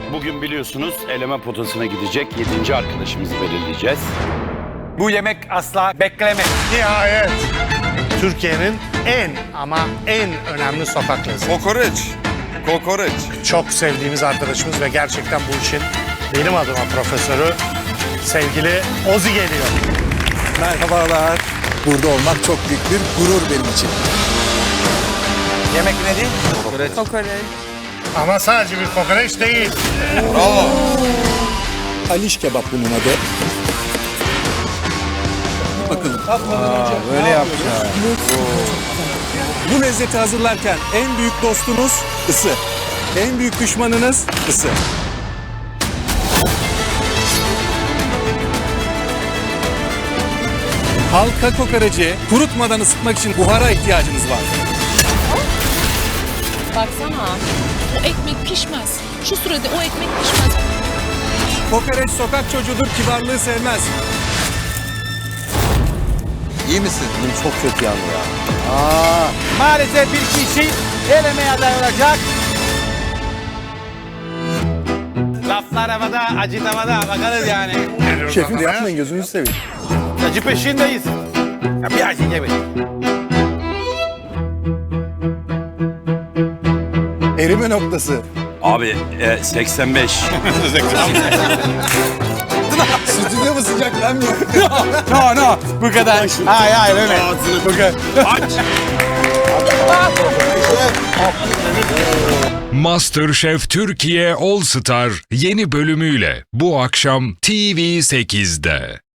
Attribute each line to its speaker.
Speaker 1: Bugün biliyorsunuz eleme potasına gidecek 7. arkadaşımızı belirleyeceğiz.
Speaker 2: Bu yemek asla bekleme.
Speaker 3: Nihayet. Türkiye'nin en ama en önemli sokak lezzeti.
Speaker 4: Kokoreç. Kokoreç.
Speaker 3: Çok sevdiğimiz arkadaşımız ve gerçekten bu işin benim adıma profesörü sevgili Ozi geliyor.
Speaker 5: Merhabalar. Burada olmak çok büyük bir gurur benim için.
Speaker 2: Yemek nedir?
Speaker 6: Kokoreç.
Speaker 3: Ama sadece bir kokoreç değil.
Speaker 4: Bravo.
Speaker 5: Aliş kebap bunun adı. Bakalım.
Speaker 2: Böyle yapacağız.
Speaker 5: Bu lezzeti hazırlarken en büyük dostunuz ısı. En büyük düşmanınız ısı. Halka kokoreci kurutmadan ısıtmak için buhara ihtiyacınız var.
Speaker 6: Baksana. O ekmek pişmez. Şu sürede o ekmek pişmez.
Speaker 5: Kokoreç sokak çocuğudur, kibarlığı sevmez. İyi misin?
Speaker 2: Çok kötü yandı ya. Maalesef bir kişi elemeye aday olacak. Laflar havada, acı tavada. Bakarız yani.
Speaker 3: Şefim yapmayın
Speaker 5: gözünüzü seveyim.
Speaker 2: Acı peşindeyiz. Ya bir acı yemeyin.
Speaker 5: Erime noktası.
Speaker 1: Abi 85.
Speaker 5: Stüdyo mu sıcaklanmıyor?
Speaker 2: No, bu kadar. Hayır, öyle. Bu kadar.
Speaker 7: MasterChef Türkiye All Star yeni bölümüyle bu akşam TV8'de.